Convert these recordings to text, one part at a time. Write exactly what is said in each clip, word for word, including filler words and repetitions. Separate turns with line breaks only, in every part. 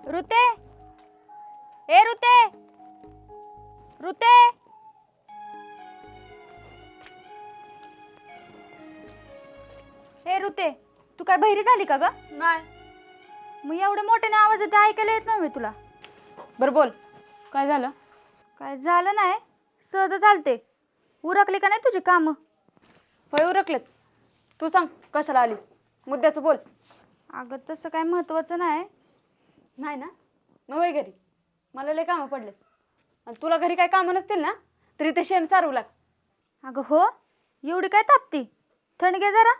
ऋते ए ऋते ऋते ए ऋते तू काय बहिरी झाली का ग?
नाही.
मग एवढ्या मोठ्याने आवाज येते ऐकायला येत नाही तुला?
बरं बोल, काय झालं?
काय झालं नाही, सहज चालते. उरकली का नाही तुझी कामं?
होय उरकलेत. तू सांग कशाला आलीस, मुद्द्याचं बोल.
अगं तसं काय महत्वाचं नाही.
नाही ना, मग वय घरी. मला लय कामं पडलेत आणि तुला घरी काय कामं नसतील ना तरी ते शेण चारू लाग.
अगं हो, एवढी काय तापती? थंड घे जरा.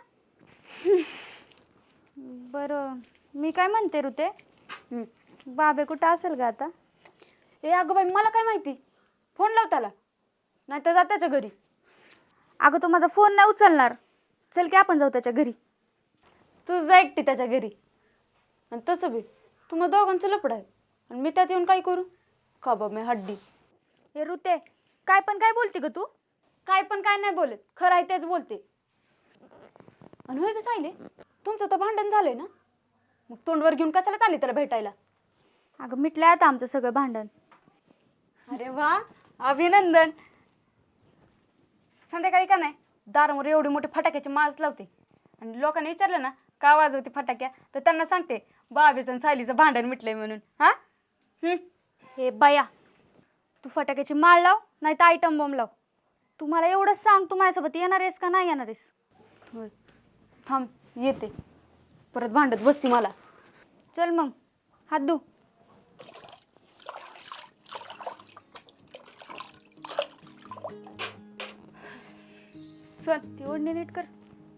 बरं मी काय म्हणते ऋते, बाबे कुठं असेल ग आता?
ए अगं बाई मला काय माहिती, फोन लाव त्याला, नाही तर जा त्याच्या घरी.
अगं तो माझा फोन नाही उचलणार. चल की आपण जाऊ त्याच्या घरी.
तू जा एकटी त्याच्या घरी. आणि तसं बी तुम्हा दोघांचं लपड आहे आणि मी त्यात येऊन काय करू? का बाब मी हड्डी.
हे ऋते काय पण काय बोलते ग तू?
काय पण काय नाही बोलत, खरं आहे तेच बोलते. आणि होय कसं आले, तुमचं तर भांडण झालंय ना, मग तोंडवर घेऊन कशाला चालली त्याला भेटायला?
अगं मिटलंय आता आमचं सगळं भांडण.
अरे वा, अभिनंदन. संध्याकाळी का नाही दारावर एवढी मोठी फटाक्याची माळच लावते आणि लोकांनी विचारलं ना का वाजवते फटाक्या, तर त्यांना सांगते बाबीचं आणि सायलीचं भांडण मिटलंय म्हणून. हा हम्म
हे बाया, तू फटाक्याची माळ लाव नाही तर आयटम बॉम्ब लाव. तू मला एवढंच सांग, तू माझ्यासोबत येणार आहेस का नाही येणार आहेस?
होय, थांब येते, परत भांडत बसती मला.
चल मग हात धु.
चल.
ती ओढणी नीट कर.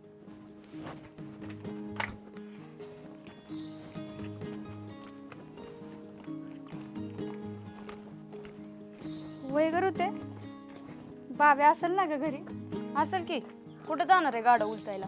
वय करू ते बाबे असेल ना ग घरी?
असेल की, कुठं जाणार आहे गाडं उलटायला?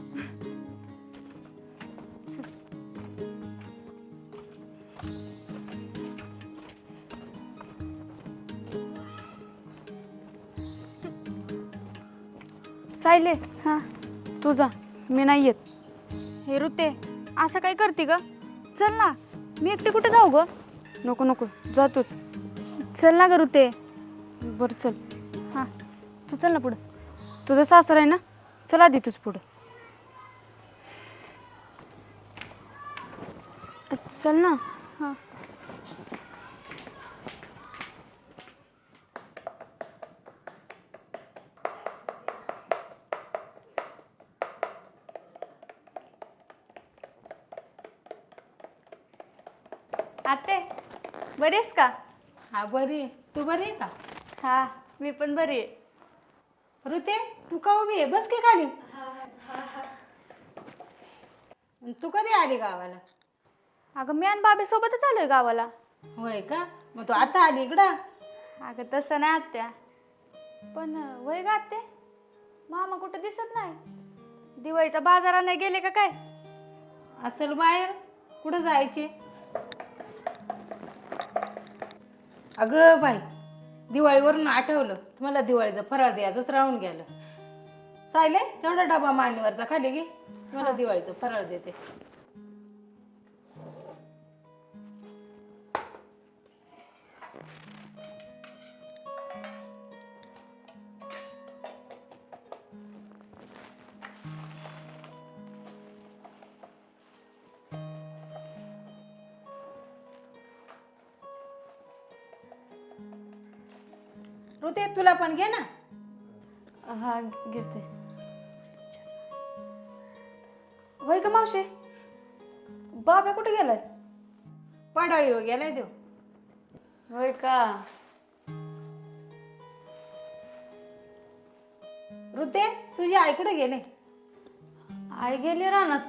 सायले,
हा
तू जा, मी नाही येत.
हे ऋते असं काय करते ग? चल ना, मी एकटी कुठे जाऊ ग?
नको नको, जा तूच.
चल ना ग ऋते.
बरं चल.
हा तू चल ना पुढं.
तुझं सासर आहे ना, चल आधी तूच पुढं. चल ना.
हा आते बरी आहेस का?
हा बरी आहे. तू बरी आहे का?
हा मी पण बरी आहे.
ऋते तू का उभी आहे? बस की खाली. तू कधी आली गावाला?
अगं मी आणि बाबे सोबतच आलोय गावाला.
होय का? मग तू आता आली इकडं?
अगं तसं नाही आत्या, पण वय गा आत्या, मामा कुठं दिसत नाही. दिवाळीचा बाजारा नाही गेले का काय?
असेल बाहेर. कुठं जायचे? अगं बाई, दिवाळीवरून आठवलं, तुम्हाला दिवाळीचं फराळ द्यायचंच राहून गेलं. सायले तेवढा डबा मांडीवरचा खाली घे, मला दिवाळीचं फराळ देते. ऋते तुला पण घे ना.
हा घेते. होय का मावशी, बाबा कुठे गेलाय?
पडाळी हो गेलाय देव.
होय का?
ऋते तुझी आई कुठे गेले?
आई गेली रानात.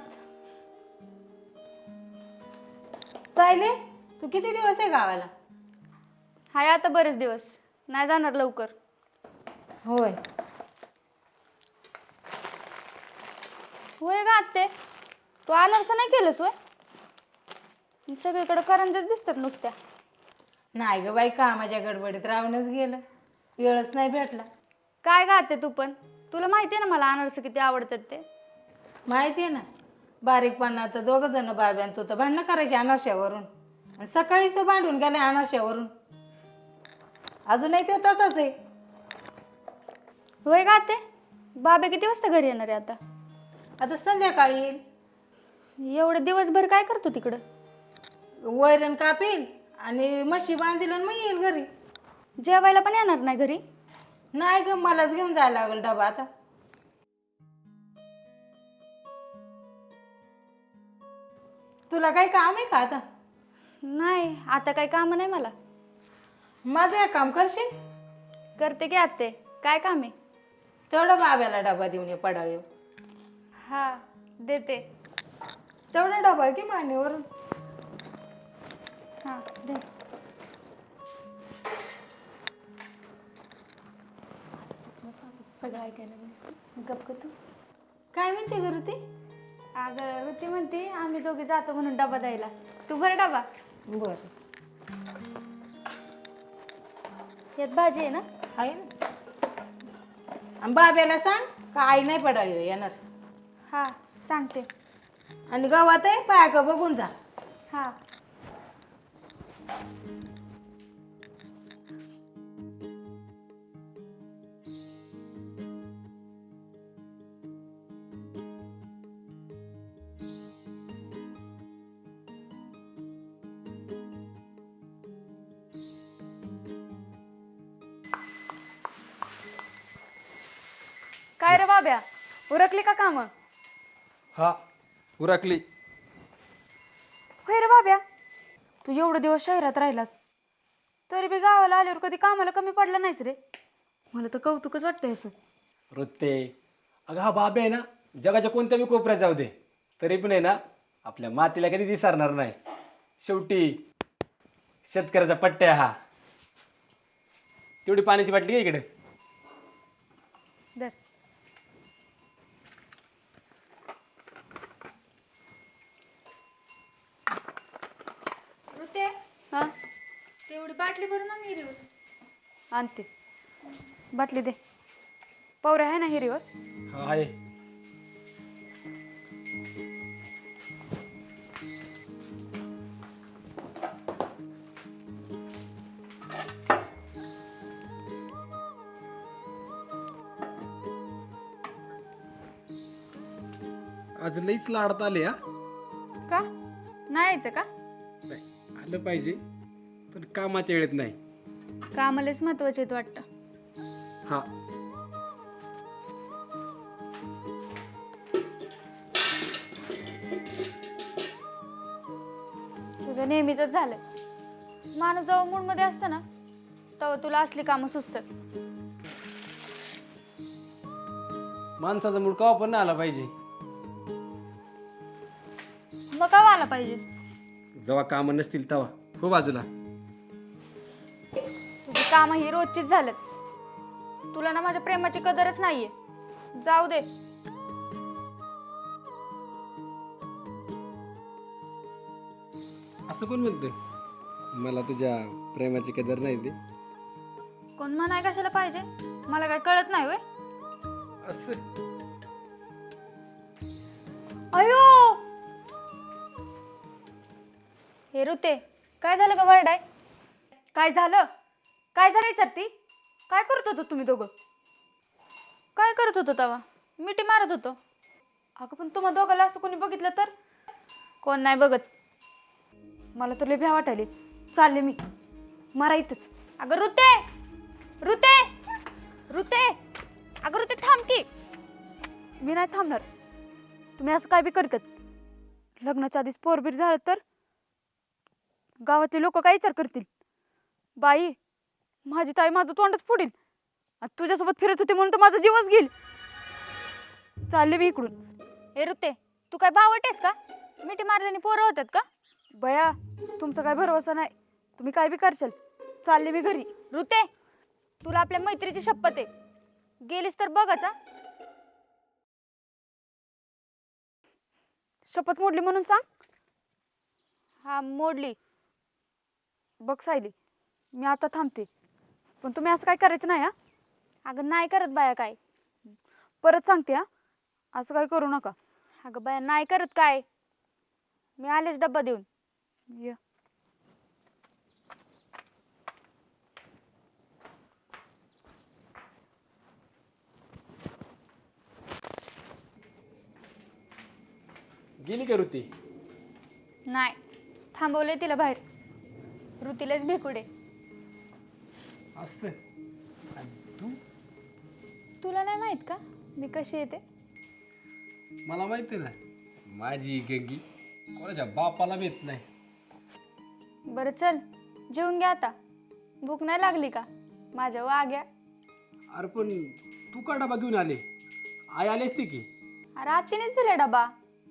सायले तू किती दिवस आहे गावाला?
हाय आता बरेच दिवस, नाही जाणार लवकर.
होय.
होय गा आत्ते, तू आणारसं नाही केलंस होय? सगळीकडे करंजाच दिसतात नुसत्या.
नाही ग बाई, कामाच्या गडबडीत राहूनच गेलं, वेळच नाही भेटला.
काय गा आत्ते तू पण, तुला माहिती आहे ना मला अनारस किती आवडतात ते.
माहिती आहे ना, बारीकपणा तर दोघं जण बाब्यान तू तर भांडणं करायची अनारशावरून. आणि सकाळीच तो भांडून गेला अनारशावरून. अजूनही तो तसाच आहे.
होय का आत्या? बाबे किती वाजता घरी येणार आहे आता?
आता संध्याकाळी येईल.
एवढं दिवसभर काय करतो तिकडं?
वैरण कापील आणि म्हशी बांधील आणि मग येईल घरी.
जेवायला पण येणार नाही घरी?
नाही ग, मलाच घेऊन जायला लागेल डबा आता. तुला काही काम आहे का आता?
नाही, आता काही काम नाही मला.
माझं एक काम करशील?
करते की आत्ते. काय काम आहे?
तेवढा बाब्याला डबा देऊन ये पडाळ.
हा, देते.
तेवढा डबा की मानेवरून.
हा, दे.
सगळं ऐकायला गप ग तू.
काय म्हणते ग ऋती?
अगं ऋती म्हणते आम्ही दोघे जातो म्हणून डबा द्यायला. तू भर डबा.
बर,
यात भाजी आहे ना?
आहे ना. आणि बाब्याला सांग का आई नाही पडाळी येणार.
हा, सांगते.
आणि गावात आहे पाया का बघून जा.
हा.
काय रे बाब्या, उरकली का काम?
हा, उरकली.
होय रे बाब्या, तू एवढं दिवस शहरात राहिलास तरी बी गावाला आल्यावर कधी कामाला कमी पडला नाहीच रे. मला तर कौतुकच वाटतं याचं.
वृत्ते, अगं हा बाबे आहे ना, जगाच्या कोणत्या बी कोपऱ्यात जाऊ दे तरी पण आहे ना आपल्या मातीला कधीच विसरणार नाही. शेवटी शेतकऱ्याचा पट्ट्या हा. तेवढी पाण्याची बाटली घे इकडे.
दर.
ऋते,
हा,
तेवढी बाटली भरून ना विहिरीवर.
आणते. बाटली दे. पवऱ्या आहे ना हिरीवर?
हा आहे. आज लईच लाडत आले हा.
का नाही यायचं का?
नाही, आलं पाहिजे पण कामाच्या वेळेत नाही.
कामालाच महत्वाचे आहेत वाटतं.
हा,
तुझं नेहमीच झालं. माणूस जेव्हा मूड मध्ये असतं ना तेव्हा तुला असली कामं सुचतात.
माणसाचा मूड कवा पण नाही आला पाहिजे.
मग का आला पाहिजे?
जेव्हा कामं नसतील तेव्हा. हो बाजूला.
तुझी कामं ही रोजचीच झालेत. तुला ना माझ्या प्रेमाची कदरच नाहीये. जाऊ दे.
असं कोण म्हणतं? मला तुझ्या प्रेमाची कदर नाही ते.
कोण म्हणाय कशाला पाहिजे? मला काय कळत नाही होय.
असं
अयो,
हे ऋते, काय झालं का वरडाय?
काय झालं? काय झालं विचारती? काय करत होतो तुम्ही दोघं?
काय करत होतो तेव्हा? मिठी मारत होतो.
अगं पण तुम्हा दोघाला असं कोणी बघितलं तर?
कोण नाही बघत.
मला तर लय भ्या वाटायले. चालले मी मारा इथंच.
अगं ऋते, ऋते, ऋते, अगं ऋते थांब की.
मी नाही थांबणार. तुम्ही असं काय बी करतात. लग्नाच्या आधीच पोरबीर झालं तर गावातले लोक काय विचार करतील? बाई, माझी ताई माझं तोंडच फोडील. आणि तुझ्यासोबत फिरत होते म्हणून तर माझा जीवच घेईल. चालले मी इकडून.
हे ऋते, तू काय बावटेस का? मिठी मारल्याने पोरं होतात का?
बया, तुमचा काय भरोसा नाही. तुम्ही काय बी करशाल. चालले मी घरी.
ऋते, तुला आपल्या मैत्रीची शपथ आहे. गेलीस तर बघच हा.
शपथ मोडली म्हणून सांग.
हा, मोडली.
बघ सायली, मी आता थांबते. पण तुम्ही असं काय करायचं नाही हा.
अगं नाही करत बाया काय.
परत सांगते हा, असं काय करू नका.
अगं बाया नाही करत काय. मी आलेच डब्बा देऊन.
ये.
गेली का ऋती?
नाही, थांबवले तिला बाहेर. ऋतीलाच भेकुडे.
असं आणि तू?
तुला नाही माहित का मी कशी येते?
मला माहिती ना, माझी गंगी कोणाच्या बापाला भेट नाही.
बरं चल, जेवून घ्या आता. भूक नाही लागली का माझ्या वाग्या?
अरे पण तू का डबा घेऊन आले? आई आली असती की.
अरे आत्तीनेच दिला डबा.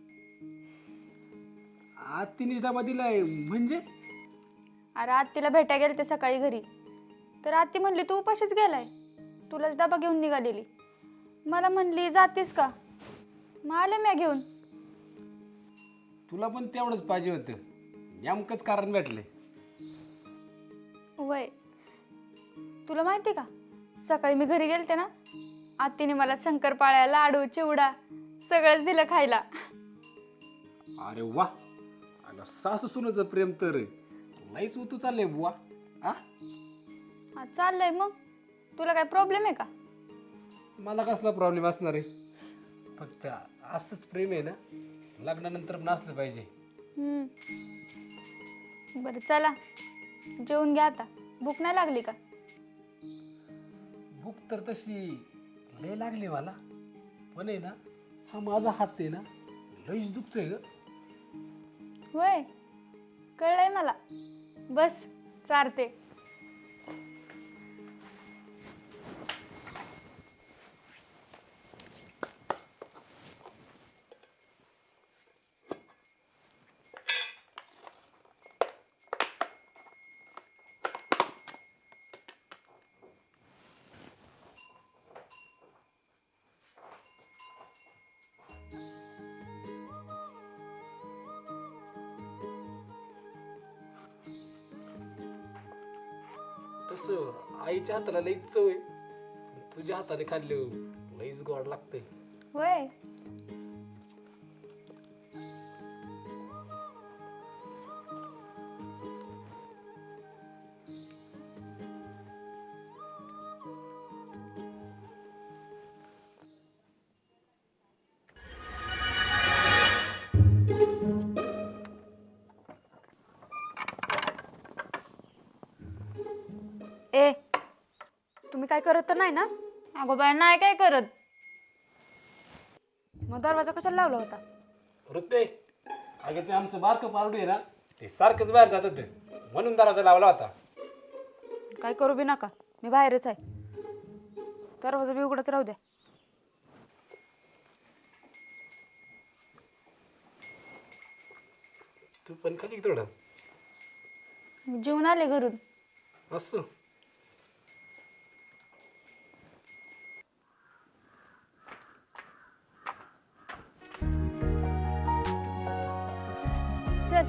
आज तिने डबा दिलाय म्हणजे?
अरे आत्तीला भेटाय गेले ते सकाळी घरी, तर आत्ती म्हणली तू उपाशीच गेलाय, तुलाच डबा घेऊन निघालेली. मला म्हणली जातीस का, मग आले म्या घेऊन.
तुला पण तेवढंच पाहिजे होतं, नेमकंच कारण भेटले.
वय, तुला माहिती का सकाळी मी घरी गेलते ना, आत्तीने मला शंकरपाळ्या, लाडू, चिवडा सगळंच दिलं खायला.
अरे वा, अगं सासू सुनाचं प्रेम तर नाहीच उतू चाललंय बुवा. आ
हा चाललंय. मग तुला काय प्रॉब्लेम आहे का?
मला कसला प्रॉब्लेम असणार आहे, फक्त असंच प्रेम आहे ना, लग्नानंतर पण असलं पाहिजे.
हम्म. बरं चला जेवून घ्या आता. भूक नाही लागली का?
भूक तर तशी लय लागली मला, पण आहे ना हा माझा हात आहे ना लईच दुखतोय ग.
होय, कळलंय मला. बस चारते.
तसं आईच्या हाताला लईच चव आहे, तुझ्या हाताने खाल्ले लईच गोड लागतंय.
होय.
ए, तुम्ही काय करत तर नाही ना?
अगो बाय नाही काय करत.
मग दरवाजा कशाला लावला होता?
ऋते, अगे ते आमचं बारकं पारडू आहे ना, ते सारखंच बाहेर जात होते म्हणून दरवाजा लावला होता.
काय करू बी नका, मी बाहेरच आहे. दरवाजा बी उघडच राहू द्या.
तू पण खाली थोडं
मी जेवून आले घरून.
असं.
चल.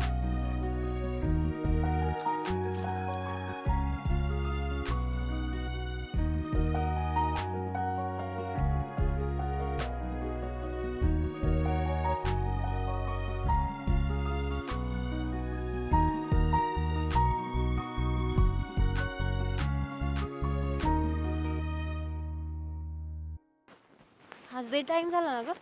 आज दे टाइम झाला ना ग.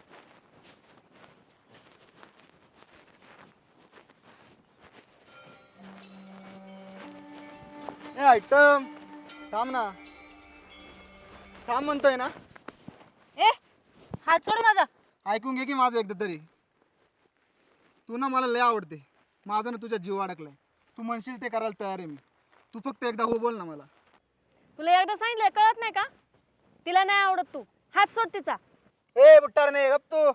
ए आयटम थांब ना, थांब म्हणतोय ना.
ए हात सोड माझा.
ऐकून घे की माझं एकदा तरी. तू ना मला लय आवडते, माझं ना तुझ्या जीव अडकलाय. तू म्हणशील ते करायला तयार आहे मी. तू फक्त एकदा हो बोल ना मला.
तुला एकदा सांगितलं कळत नाही का? तिला नाही आवडत तू. हात सोड तिचा.
ए बुट्टार नाही गप तू.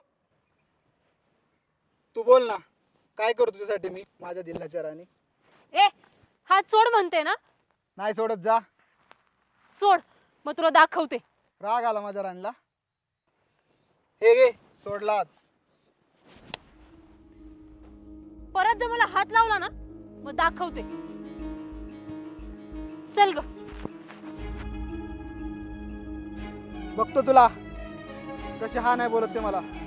तू बोल ना, काय करू तुझ्यासाठी मी माझ्या दिलाच्या राणी.
ए हात सोड म्हणते ना.
नाही सोडत जा.
सोड मग तुला दाखवते.
राग आला माझ्या राणीला. हे घे सोडला हात.
परत जर मला हात लावला ना मग दाखवते. चल ग.
बघतो तुला कशी हा नाही बोलत ते मला.